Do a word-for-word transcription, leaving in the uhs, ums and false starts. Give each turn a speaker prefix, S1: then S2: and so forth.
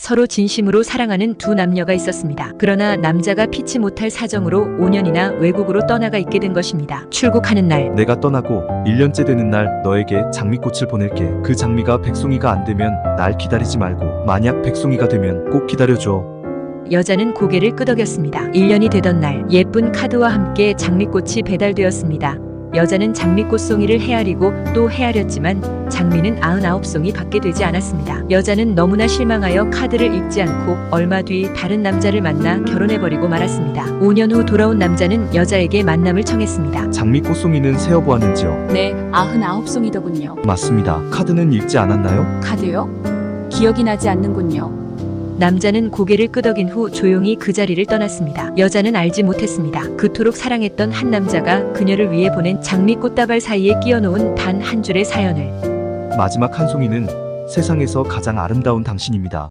S1: 서로 진심으로 사랑하는 두 남녀가 있었습니다. 그러나 남자가 피치 못할 사정으로 오 년이나 외국으로 떠나가 있게 된 것입니다. 출국하는 날,
S2: 내가 떠나고 일 년째 되는 날 너에게 장미꽃을 보낼게. 그 장미가 백송이가 안 되면 날 기다리지 말고 만약 백송이가 되면 꼭 기다려줘.
S1: 여자는 고개를 끄덕였습니다. 일 년이 되던 날, 예쁜 카드와 함께 장미꽃이 배달되었습니다. 여자는 장미꽃 송이를 헤아리고 또 헤아렸지만 장미는 구십구 송이 밖에 되지 않았습니다. 여자는 너무나 실망하여 카드를 읽지 않고 얼마 뒤 다른 남자를 만나 결혼해버리고 말았습니다. 오 년 후 돌아온 남자는 여자에게 만남을 청했습니다.
S2: 장미꽃 송이는 세어보았는지요?
S3: 네, 구십구 송이더군요.
S2: 맞습니다. 카드는 읽지 않았나요?
S3: 카드요? 기억이 나지 않는군요.
S1: 남자는 고개를 끄덕인 후 조용히 그 자리를 떠났습니다. 여자는 알지 못했습니다. 그토록 사랑했던 한 남자가 그녀를 위해 보낸 장미꽃다발 사이에 끼워놓은 단 한 줄의 사연을.
S2: 마지막 한 송이는 세상에서 가장 아름다운 당신입니다.